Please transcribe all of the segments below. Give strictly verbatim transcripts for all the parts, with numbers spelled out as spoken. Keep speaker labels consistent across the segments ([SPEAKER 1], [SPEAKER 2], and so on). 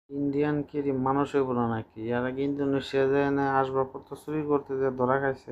[SPEAKER 1] Indian কি রে মানুষ হইব না নাকি? এর আগে ইন্দোনেশিয়া যায় না আসবাবপত্র চুরি করতে যে ধরা খাইছে,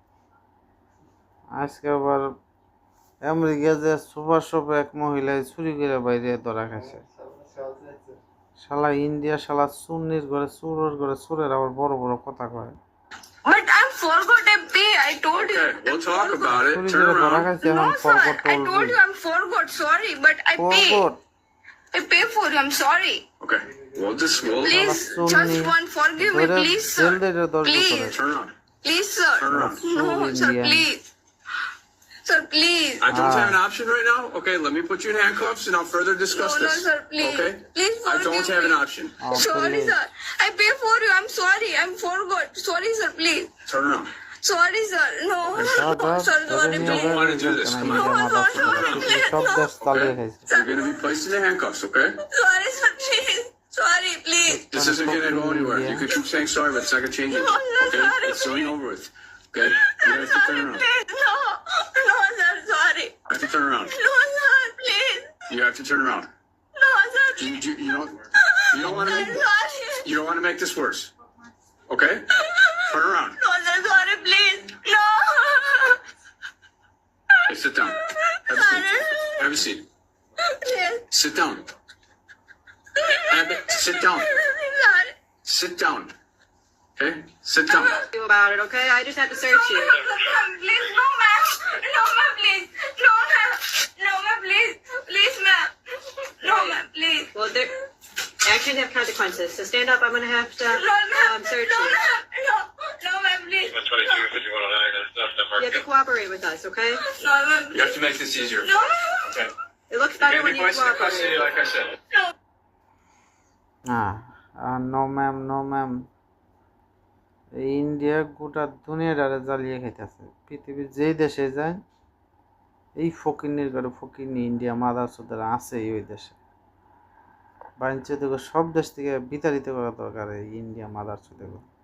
[SPEAKER 1] আজকে আবার আমেরিকা যে সুপার শপে এক মহিলায় চুরি করে বাইরে ধরা খাইছে। শালা ইন্ডিয়া শালা চুন্নির ঘরে চোরের ঘরে চোরের আবার বড় বড় কথা কয়।
[SPEAKER 2] But I forgot I pay. I told you.
[SPEAKER 3] Okay, we'll talk about it.
[SPEAKER 1] চুরি
[SPEAKER 3] Turn
[SPEAKER 1] করে ধরা
[SPEAKER 3] around.
[SPEAKER 1] খাইছে
[SPEAKER 2] No,
[SPEAKER 1] এখন
[SPEAKER 2] sir.
[SPEAKER 1] ফরগট
[SPEAKER 2] I told
[SPEAKER 1] বলবি।
[SPEAKER 2] you I'm forgot. Sorry, but I pay.
[SPEAKER 1] Forgot
[SPEAKER 2] I pay for you. I'm sorry.
[SPEAKER 3] Okay, we'll just we'll
[SPEAKER 2] Please,
[SPEAKER 1] Sunni.
[SPEAKER 2] just one. Forgive me,
[SPEAKER 1] ধরে
[SPEAKER 2] please,
[SPEAKER 1] jail
[SPEAKER 2] sir.
[SPEAKER 1] দিয়ে দশ বছরে।
[SPEAKER 2] Please,
[SPEAKER 3] turn around.
[SPEAKER 2] please, sir.
[SPEAKER 3] Turn around.
[SPEAKER 2] No, sir.
[SPEAKER 1] Indian.
[SPEAKER 2] Please, sir. Please.
[SPEAKER 3] I don't
[SPEAKER 1] Ah.
[SPEAKER 3] have an option right now. Okay, let me put you in handcuffs and I'll further discuss
[SPEAKER 2] No, no,
[SPEAKER 3] this.
[SPEAKER 2] sir. Please,
[SPEAKER 3] Okay?
[SPEAKER 2] please
[SPEAKER 3] I
[SPEAKER 2] forgive
[SPEAKER 3] don't have
[SPEAKER 2] me.
[SPEAKER 3] an option.
[SPEAKER 1] Oh,
[SPEAKER 2] Sorry,
[SPEAKER 1] please.
[SPEAKER 2] sir. I pay for you. I'm sorry. I'm forgot. Sorry, sir. Please.
[SPEAKER 3] Turn around.
[SPEAKER 2] Sorry, sir. No,
[SPEAKER 1] দাদা,
[SPEAKER 2] no, sir.
[SPEAKER 1] দাদা
[SPEAKER 2] Sorry,
[SPEAKER 1] নিয়ে
[SPEAKER 3] don't
[SPEAKER 2] please.
[SPEAKER 3] want to do this.
[SPEAKER 1] কেন
[SPEAKER 3] Come
[SPEAKER 1] India
[SPEAKER 3] on.
[SPEAKER 1] মাথা চুরি সব দেশ চালিয়ে খাইছে।
[SPEAKER 3] You're gonna be placed in the handcuffs, okay?
[SPEAKER 2] Sorry, sir. Please. Sorry, please.
[SPEAKER 3] This isn't gonna go anywhere. You can keep saying sorry, but it's not gonna change it.
[SPEAKER 2] No, no,
[SPEAKER 3] Okay?
[SPEAKER 2] sorry,
[SPEAKER 3] It's going
[SPEAKER 2] please.
[SPEAKER 3] over with. Okay? You have to turn
[SPEAKER 2] Sorry,
[SPEAKER 3] around.
[SPEAKER 2] please. No, no, sir. Sorry.
[SPEAKER 3] You have to turn around.
[SPEAKER 2] No, sir. Please.
[SPEAKER 3] You have to turn around.
[SPEAKER 2] No, sir.
[SPEAKER 3] You, you, you don't you don't want to
[SPEAKER 2] I'm
[SPEAKER 3] make
[SPEAKER 2] sorry.
[SPEAKER 3] you don't want to make this worse. Okay? Turn around.
[SPEAKER 2] No, sir. Sorry, please. No.
[SPEAKER 3] Hey, sit down. Have a seat. Have a seat.
[SPEAKER 2] Please.
[SPEAKER 3] Sit down. Have it. Sit down.
[SPEAKER 2] Sorry.
[SPEAKER 3] Sit down. Okay? Sit down.
[SPEAKER 4] You about it, okay? I just had to search you.
[SPEAKER 2] Please, no, ma'am. No, ma'am, please. No, ma'am. No, ma'am, please. Please, ma'am. No, ma'am, please.
[SPEAKER 4] Well, there actions have consequences. So stand up. I'm gonna have to
[SPEAKER 2] No, ma'am.
[SPEAKER 4] um, search
[SPEAKER 2] No,
[SPEAKER 4] you.
[SPEAKER 2] ma'am. No, no, ma'am, please.
[SPEAKER 5] twenty-two, fifty-one oh nine, there's nothing
[SPEAKER 4] You have to
[SPEAKER 5] marked.
[SPEAKER 4] cooperate with us, okay?
[SPEAKER 2] No, ma'am.
[SPEAKER 5] You have to make this easier.
[SPEAKER 2] No, ma'am.
[SPEAKER 5] Okay.
[SPEAKER 4] It looks
[SPEAKER 5] You're
[SPEAKER 4] better
[SPEAKER 5] gonna
[SPEAKER 4] when
[SPEAKER 5] be
[SPEAKER 4] you
[SPEAKER 5] placed in custody,
[SPEAKER 4] cooperate.
[SPEAKER 5] like I said.
[SPEAKER 1] হ্যাঁ no ma'am no ma'am India গোটা দুনিয়াটারে জ্বালিয়ে খাইতেছে। পৃথিবীর যেই দেশে যায় এই ফকিরনির ঘরে ফকিরনি ইন্ডিয়া মাদার চোদ্দারা আছেই ওই দেশে। বাণিজ্য থেকে সব দেশ থেকে বিতাড়িত করা দরকার এই ইন্ডিয়া মাদার চোদ্দাকে।